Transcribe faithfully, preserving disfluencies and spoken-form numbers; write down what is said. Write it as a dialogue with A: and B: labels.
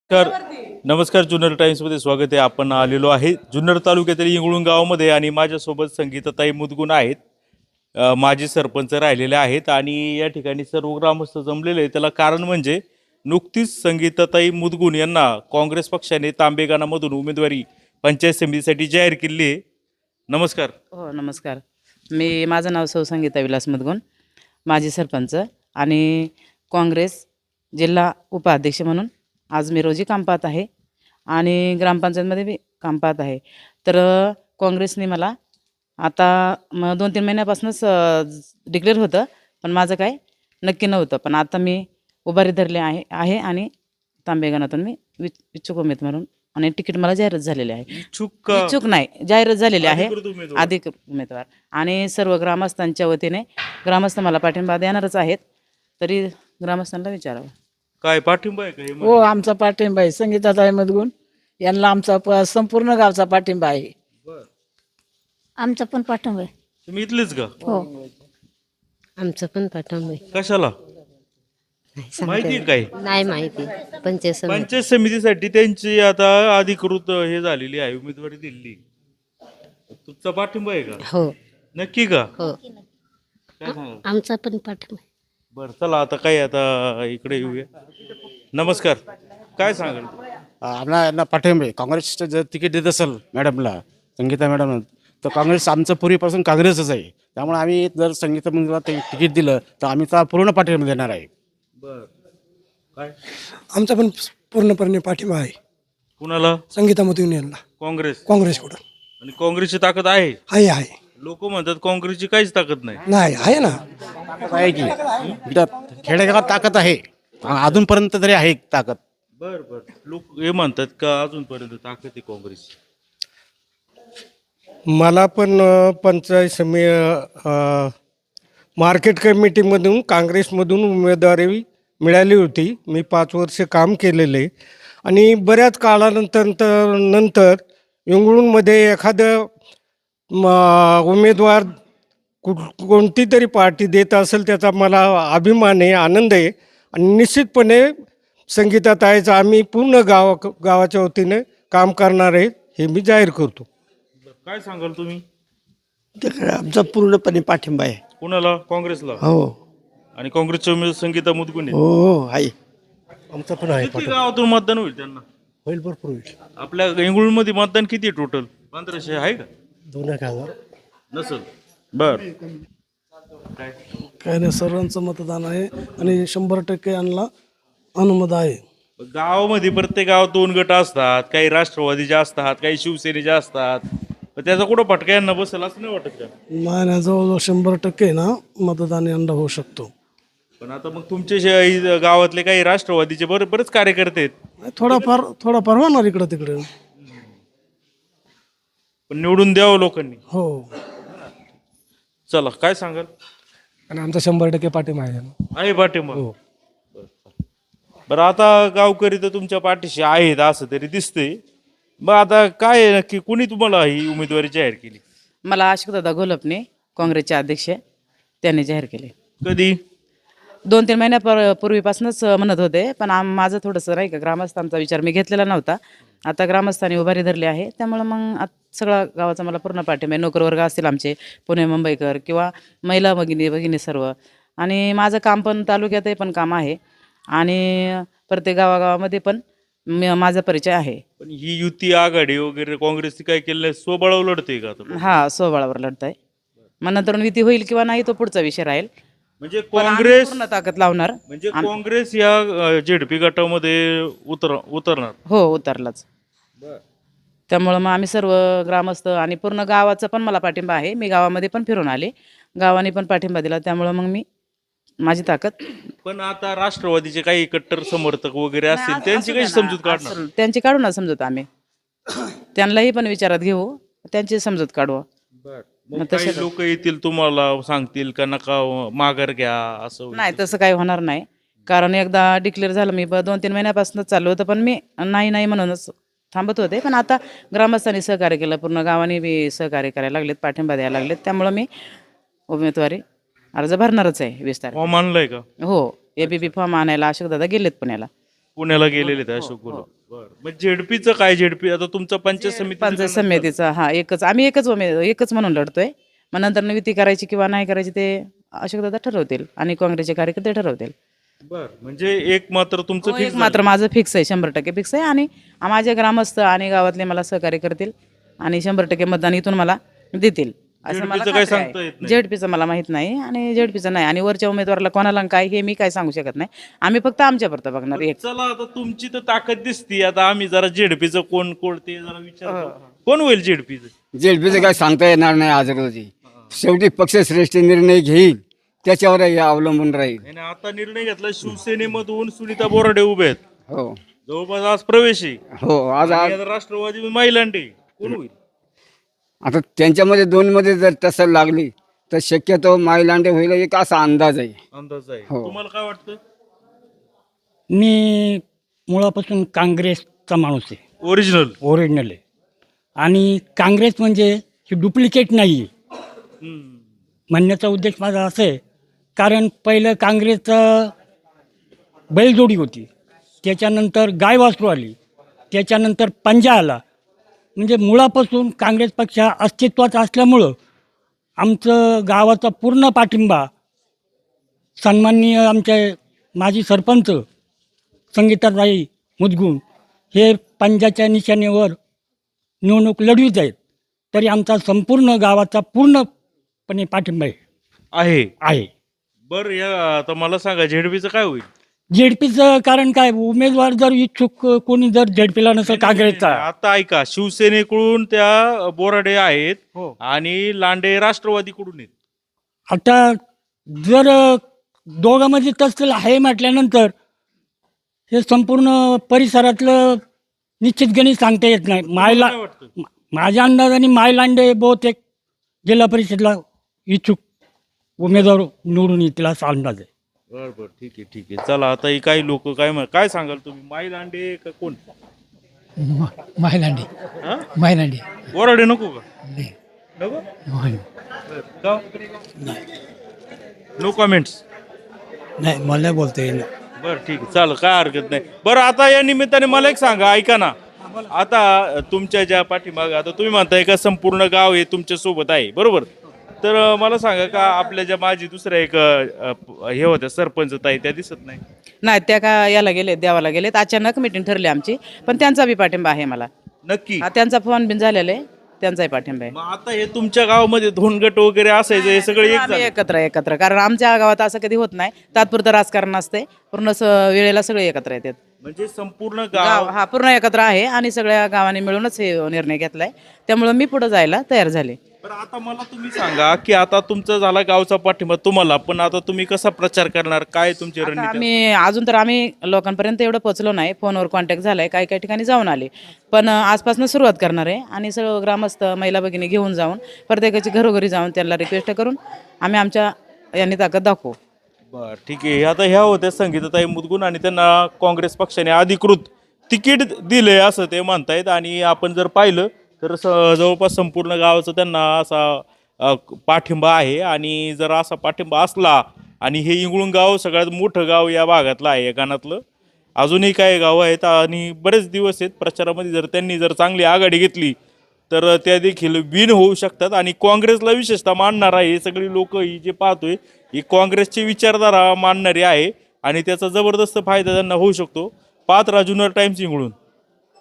A: नमस्कार नमस्कार जुन्नर टाइम्समध्ये स्वागत आहे. आपण आलेलो आहे जुन्नर तालुक्यातील इंगळूण गावामध्ये आणि माझ्यासोबत संगीताताई मुदगुण आहेत. अ, माजी सरपंच राहिलेले आहेत आणि या ठिकाणी सर्व ग्रामस्थ जमलेले आहेत. त्याला कारण म्हणजे नुकतीच संगीताताई मुदगुण यांना काँग्रेस पक्षाने तांबेगाणामधून उमेदवारी पंचायत समितीसाठी जाहीर केली आहे. नमस्कार.
B: हो नमस्कार. मी माझं नाव सौ संगीता विलास मुदगुण, माजी सरपंच आणि काँग्रेस जिल्हा उपाध्यक्ष म्हणून आज मी रोजी काम पाहत आहे आणि ग्रामपंचायतमध्ये बी काम पाहत आहे. तर अ, काँग्रेसने मला आता म दोन तीन महिन्यापासूनच डिक्लेअर होतं, पण माझं काय नक्की नव्हतं. पण आता मी उभारी धरली आहे आहे आणि तांबेगाणातून मी वि इच्छुक उमेदवार म्हणून आणि तिकीट मला जाहीरच झालेले आहे.
A: इच्छुक का?
B: इच्छुक नाही, जाहीरच झालेले आहे
A: अधिकृत उमेदवार?
B: अधिकृत उमेदवार. आणि सर्व ग्रामस्थांच्या वतीने ग्रामस्थ मला पाठिंबा देणारच आहेत. तरी ग्रामस्थांना विचारावं.
A: काय पाठिंबा आहे का हे?
C: हो, आमचा पाठिंबा आहे. संगीताताई मुदगुण यांना आमचा प- संपूर्ण गावचा पाठिंबा आहे.
A: बरं.
D: आमचा पण पाठिंबा आहे.
A: तुम्ही इथलेच का?
D: हो
E: आमचं पण पाठिंबा आहे.
A: कशाला
E: नाही सांगता
A: माहिती आहे
E: येत.
A: काय?
E: नाही माहिती पंचायत समिती.
A: पंचायत समितीसाठी त्यांची आता अधिकृत हे झालेली आहे, उमेदवारी दिली. तुमचा पाठिंबा आहे का?
E: हो
A: नक्की का?
E: हो
A: काय सांगा?
E: आमचा पण पाठिंबा आहे.
A: बरं चला आता काय आता इकडे येऊया. नमस्कार. काय सांगाल?
F: आम्हाला यांना पाठिंबा आहे. काँग्रेसचं जर तिकीट देत असेल मॅडमला, संगीता मॅडम, तर काँग्रेस आमचं पूर्वीपासून काँग्रेसच आहे. त्यामुळे आम्ही जर संगीता मुलीला ते तिकीट दिलं तर आम्ही त्याला पूर्ण पाठिंबा देणार आहे.
A: बर काय
G: आमचा पण पूर्णपणे पाठिंबा आहे
A: कुणाला?
G: संगीता मुदगुण यांना
A: काँग्रेस.
G: काँग्रेसकडून.
A: आणि काँग्रेसची ताकद आहे.
G: आहे आहे
A: लोक म्हणतात काँग्रेसची काहीच ताकद नाही.
G: नाही आहे ना.
F: ताकद आहे की इथं खेडेगावात ताकद आहे, अजूनपर्यंत तरी आहे ताकद.
A: बर बर लोक हे म्हणतात का अजूनपर्यंत ताकद आहे काँग्रेस?
G: मला पण अ, पंचायत समी अ, मार्केट कमिटीमधून काँग्रेसमधून उमेदवारी मिळाली होती. मी पाच वर्ष काम केलेले आणि बऱ्याच काळानंतर तर- नंतर इंगळूणमध्ये एखादं म, उमेदवार कुठ कोणती तरी पार्टी देत असेल त्याचा मला अभिमान आहे, आनंद आहे. आणि निश्चितपणे संगीताताईचं आम्ही पूर्ण गावा गावाच्या वतीने काम करणार आहे हे मी जाहीर करतो.
A: काय सांगाल तुम्ही?
H: त्याकडे आमचा पूर्णपणे पाठिंबा आहे.
A: कुणाला? काँग्रेसला.
H: हो
A: आणि काँग्रेसचे उमेदवार संगीता मुदगुण
H: हो हो आहे.
G: आमचा पण आहे.
A: किती गावातून मतदान होईल त्यांना?
G: होईल भरपूर होईल.
A: आपल्या इंगळूणमध्ये मतदान किती टोटल? पंधराशे आहे का?
G: दोन एक हजार.
A: नसल. बर काय
G: काय नाही, सर्वांचं मतदान आहे आणि शंभर टक्के यांना अनुमत आहे.
A: गावामध्ये प्रत्येक गावात दोन गट असतात, काही राष्ट्रवादीचे असतात, काही शिवसेनेचे असतात. पण त्याचा कुठं फटका यांना बसेल असं नाही वाटत का?
G: नाही नाही, जवळजवळ शंभर टक्के ना मतदान यंदा होऊ शकतो.
A: पण आता मग तुमचे जे गावातले काही राष्ट्रवादीचे बरे बरेच कार्यकर्ते आहेत.
G: नाही, थोडाफार थोडाफार होणार इकडं तिकडे.
A: पण निवडून द्यावं लोकांनी.
G: हो
A: चला काय सांगाल?
G: आणि आमचा शंभर टक्के पाठिंबा आहे.
A: आहे पाठिंबा. बरं आता गावकरी तर तुमच्या पाठीशी आहेत असं तरी दिसतंय. मग आता काय आहे नक्की, कुणी तुम्हाला ही उमेदवारी जाहीर केली?
B: मला अशोकदादा घोलपने काँग्रेसचे अध्यक्ष त्यांनी जाहीर केले.
A: कधी?
B: दोन तीन महिन्या पर पूर्वीपासूनच म्हणत होते, पण आम माझं थोडंसं नाही का ग्रामस्थांचा विचार मी घेतलेला नव्हता. आता ग्रामस्थांनी उभारी धरली आहे, त्यामुळं मग आत सगळा गावाचा मला पूर्ण पाठिंबा आहे. नोकरवर्ग असतील आमचे पुणे मुंबईकर किंवा महिला भगिनी भगिनी सर्व. आणि माझं काम पण तालुक्यातही पण काम आहे आणि प्रत्येक गावागावामध्ये पण म- माझा परिचय आहे.
A: पण ही युती आघाडी वगैरे काँग्रेसची काय केलं नाही, स्वबळावर लढते का आता?
B: हा स्वबळावर लढत आहे. मग नंतर युती होईल किंवा नाही तो पुढचा विषय राहील.
A: म्हणजे
B: पण आम्ही
A: काँग्रेस
B: पूर्ण ताकद लावणार.
A: म्हणजे काँग्रेस या झेडपी गटामध्ये उतर उतरणार.
B: हो उतरलाच. त्यामुळं मग आम्ही सर्व ग्रामस्थ आणि पूर्ण गावाचा पण मला पाठिंबा आहे. मी गावामध्ये पण फिरून आले, गावाने पण पाठिंबा दिला. त्यामुळं मग मी माझी ताकद.
A: पण आता राष्ट्रवादीचे काही कट्टर समर्थक वगैरे असतील त्यांची काही समजूत काढणार.
B: असं- त्यांची काढू ना समजूत आम्ही. त्यांनाही पण विचारात घेऊ, त्यांची समजूत काढू.
A: मग काही लोक येतील तुम्हाला सांगतील का नका माघार घ्या असं होईल.
B: नाही तसं काही होणार नाही. कारण एकदा डिक्लेअर झालं मी ब- दोन तीन महिन्यापासूनच चालू होतं, पण मी नाही नाही म्हणूनच थांबत होते. पण आता ग्रामस्थांनी सहकार्य केलं, पूर्ण गावाने बी सहकार्य करायला लागलेत, पाठिंबा द्यायला लागलेत. त्यामुळं मी उमेदवारी अर्ज भरणारच आहे वीस तारीख.
A: फॉर्म आणलाय का?
B: हो, एबीपी फॉर्म आणायला अशोकदादा गेलेत पुण्याला.
A: पुण्याला गेलेले आहेत अशोक गुलाब. बरं मग झेडपीचं काय झेडपी आता तुमचं पंचायत समिती
B: पंचायत समितीचा हा एकच आम्ही एकच उमे एकच म्हणून लढतोय. मग नंतर युती करायची किंवा नाही करायची ते अशोकदादा ठरवतील आणि काँग्रेसचे कार्यकर्ते ठरवतील.
A: बर म्हणजे एक मात्र तुमचं
B: हो,
A: fix
B: एक मात्र माझं फिक्स आहे, शंभर टक्के फिक्स आहे. आणि माझे ग्रामस्थ आणि गावातले मला सहकार्य करतील आणि शंभर टक्के मतदान इथून मला देतील असं मला
A: झेडपीचं काय
B: खात्री
A: सांगता येत
B: आहे.
A: नाही.
B: झेडपीचं मला माहित नाही आणि झेडपीचं नाही आणि वरच्या उमेदवाराला कोणाला काय हे मी काय सांगू शकत नाही. आम्ही फक्त आमच्या पुरतं बघणार एक.
A: चला आता तुमची तर ताकद दिसती. आता आम्ही जरा झेडपीचं कोण कोण ते जरा
B: हो,
A: विचार कोण होईल झेडपीचं.
I: जेडपीचं काय सांगता येणार नाही आज रोजी. शेवटी पक्षश्रेष्ठ निर्णय घेईल त्याच्यावर हे अवलंबून राहील.
A: आणि आता निर्णय घेतला शिवसेनेमधून सुनीता बोराडे उभे आहेत.
I: हो
A: जवळपास आज प्रवेश आहे.
I: हो आज
A: आणि
I: आज
A: आता राष्ट्रवादी महिलांडे कोण होईल.
I: आता त्यांच्यामध्ये दोन मध्ये जर टसल लागली तर शक्यतो माईलांडे होईल एक असा अंदाज आहे.
A: अंदाज आहे
I: हो.
A: तुम्हाला काय वाटतं.
J: मी मुळापासून काँग्रेसचा माणूस आहे,
A: ओरिजिनल.
J: ओरिजिनल आहे. आणि काँग्रेस म्हणजे ही डुप्लिकेट नाही आहे म्हणण्याचा उद्देश माझा असं आहे. कारण पहिलं काँग्रेसचं बैलजोडी होती, त्याच्यानंतर गाय वासरू आली, त्याच्यानंतर पंजा आला. म्हणजे मुळापासून काँग्रेस पक्ष हा अस्तित्वात असल्यामुळं आमचं गावाचा पूर्ण पाठिंबा सन्माननीय आमचे माजी सरपंच संगीताताई मुदगुण हे पंजाच्या निशाणेवर निवडणूक लढवीत आहेत. तरी आमचा संपूर्ण गावाचा पूर्णपणे पाठिंबा आहे
A: आहे.
J: आहे.
A: बरं या आता मला सांगा झेडपीचं काय होईल.
J: झेडपीचं कारण काय, उमेदवार जर इच्छुक कोणी जर झेडपीला नसेल काँग्रेसचा,
A: आता ऐका शिवसेनेकडून त्या बोराडे आहेत
J: हो.
A: आणि लांडे राष्ट्रवादीकडून आहेत.
J: आता जर दोघांमध्ये तसं आहे म्हटल्यानंतर हे संपूर्ण परिसरातलं निश्चित गणित सांगता येत नाही. मायला
A: काय वाटतं.
J: मा- माझ्या अंदाजाने मायलांडे बहुतेक जिल्हा परिषदला इच्छुक उमेदवार निवडून येतील असा अंदाज आहे.
A: बरं बरं ठीक आहे ठीक आहे. चला आता ही काही लोक काय म्हण- काय सांगाल तुम्ही माई लांडे का कोण.
C: माहिलांडी
A: हा
C: माहिलांडी
A: बोराडे नको का नको. का नो कमेंट्स.
C: नाही मला बोलता येईल.
A: बरं ठीक आहे चालेल काय हरकत नाही. बरं आता या निमित्ताने मला एक सांगा ऐका ना. आता तुमच्या ज्या पाठीमाग आता तुम्ही म्हणताय का संपूर्ण गाव हे तुमच्या सोबत आहे बरोबर. तर अं, मला सांगा का आपल्या ज्या माझी दुसऱ्या एक अं, हे होत्या सरपंच ताई त्या दिसत नाही.
B: नाही त्या का याला गेलेत देवाला गेलेत. अचानक मिटिंग ठरली आमची, पण त्यांचा बी पाठिंबा आहे मला.
A: नक्की.
B: हा, त्यांचा फोन बिन झालेला आहे, त्यांचाही पाठिंबा आहे.
A: मग आता हे तुमच्या गावामध्ये दोन गट वगैरे असायचं हे सगळे एक
B: आम्ही
A: झाले.
B: एकत्र एकत्र कारण आमच्या गावात असं कधी होत नाही. तात्पुरतं राजकारण असते, पूर्ण स- वेळेला सगळे एकत्र येतात.
A: म्हणजे संपूर्ण
B: गाव
A: गाव
B: हा पूर्ण एकत्र आहे आणि सगळ्या गावाने मिळूनच हे निर्णय घेतलाय. त्यामुळे मी पुढे जायला तयार झाले.
A: पण आता मला तुम्ही सांगा की आता तुमचा झाला गावचा पाठिंबा तुम्हाला पण आता तुम्ही कसा प्रचार करणार काय तुमची
B: आता
A: रणनीती.
B: आम्ही अजून तर आम्ही लोकांपर्यंत एवढं पोहोचलो नाही. फोनवर कॉन्टॅक्ट झालाय, काही काही ठिकाणी जाऊन आले. पण आजपासून सुरुवात करणार आहे आणि सर्व ग्रामस्थ महिला भगिनी घेऊन जाऊन प्रत्येकाची घरोघरी जाऊन त्यांना रिक्वेस्ट करून आम्ही आमच्या यांनी ताकद दाखवू.
A: बर ठीक आहे. आता ह्या होत्या संगीताताई मुदगुण आणि त्यांना काँग्रेस पक्षाने अधिकृत तिकीट दिले असं ते म्हणतायत. आणि आपण जर पाहिलं तर स जवळपास संपूर्ण गावाचा त्यांना असा अ, पाठिंबा आहे. आणि जर असा पाठिंबा असला आणि हे इंगळूण गाव सगळ्यात मोठं गाव या भागातलं आहे या गाणातलं. अजूनही काही गावं आहेत आणि बरेच दिवस आहेत प्रचारामध्ये. जर त्यांनी जर चांगली आघाडी घेतली तर त्या देखील विन होऊ शकतात. आणि काँग्रेसला विशेषतः मानणार आहे हे सगळी लोक ही जे पाहतोय ही काँग्रेसची विचारधारा मानणारी आहे आणि त्याचा जबरदस्त फायदा त्यांना होऊ शकतो. पाहत राहा जुन्नर टाइम्स इंगळूण.